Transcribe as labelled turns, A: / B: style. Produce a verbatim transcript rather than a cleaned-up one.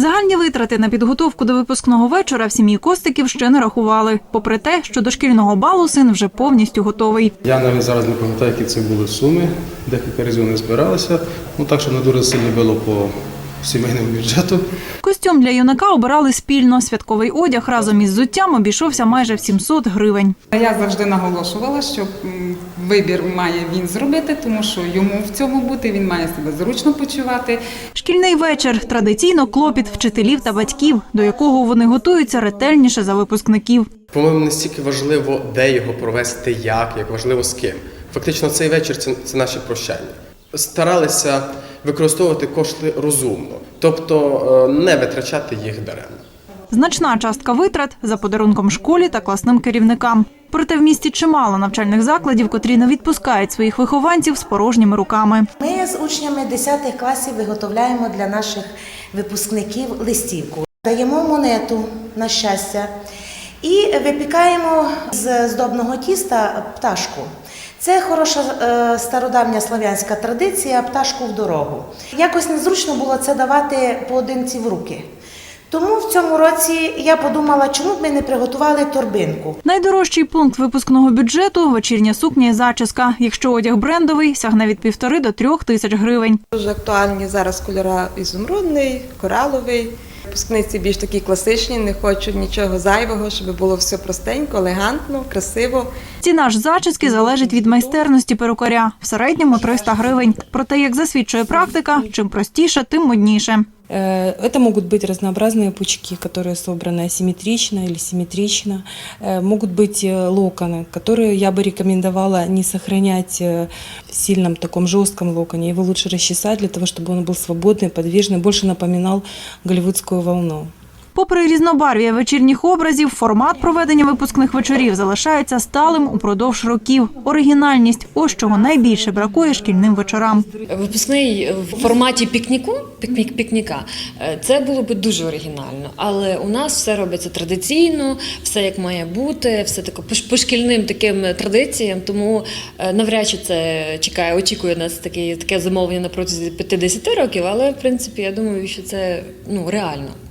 A: Загальні витрати на підготовку до випускного вечора в сім'ї Костиків ще не рахували, попри те, що до шкільного балу син вже повністю готовий.
B: Я навіть зараз не пам'ятаю, які це були суми, декілька разів не збиралися, ну так, що не дуже сильно було по сімейному бюджету.
A: Костюм для юнака обирали спільно. Святковий одяг разом із взуттям обійшовся майже в сімсот гривень.
C: Я завжди наголошувала, що вибір має він зробити, тому що йому в цьому бути, він має себе зручно почувати.
A: Шкільний вечір – традиційно клопіт вчителів та батьків, до якого вони готуються ретельніше за випускників.
D: По-моєму, не стільки важливо, де його провести, як, як важливо з ким. Фактично цей вечір – це, це наші прощання. Старалися використовувати кошти розумно, тобто не витрачати їх даремно.
A: Значна частка витрат – за подарунком школі та класним керівникам. Проте в місті чимало навчальних закладів, котрі не відпускають своїх вихованців з порожніми руками.
E: Ми з учнями десятих класів виготовляємо для наших випускників листівку. Даємо монету на щастя і випікаємо з здобного тіста пташку. Це хороша стародавня слов'янська традиція – пташку в дорогу. Якось незручно було це давати поодинці в руки. Тому в цьому році я подумала, чому б ми не приготували торбинку.
A: Найдорожчий пункт випускного бюджету – вечірня сукня і зачіска. Якщо одяг брендовий, сягне від півтори до трьох тисяч гривень.
F: Дуже актуальні зараз кольори ізумрудний, кораловий. Випускниці більш такі класичні, не хочуть нічого зайвого, щоб було все простенько, елегантно, красиво.
A: Ціна ж зачіски залежить від майстерності перукаря. В середньому триста гривень. Проте, як засвідчує практика, чим простіше, тим модніше.
G: Это могут быть разнообразные пучки, которые собраны асимметрично или симметрично. Могут быть локоны, которые я бы рекомендовала не сохранять в сильном таком жестком локоне. Его лучше расчесать для того, чтобы он был свободный, подвижный, больше напоминал голливудскую волну.
A: Попри різнобарв'я вечірніх образів, формат проведення випускних вечорів залишається сталим упродовж років. Оригінальність – ось чого найбільше бракує шкільним вечорам.
H: Випускний в форматі пікніку, пікнік, пікніка – це було б дуже оригінально. Але у нас все робиться традиційно, все як має бути, все таке по шкільним таким традиціям. Тому навряд чи це чекає, очікує нас таке, таке замовлення на протязі п'ятдесят років. Але, в принципі, я думаю, що це ну, реально.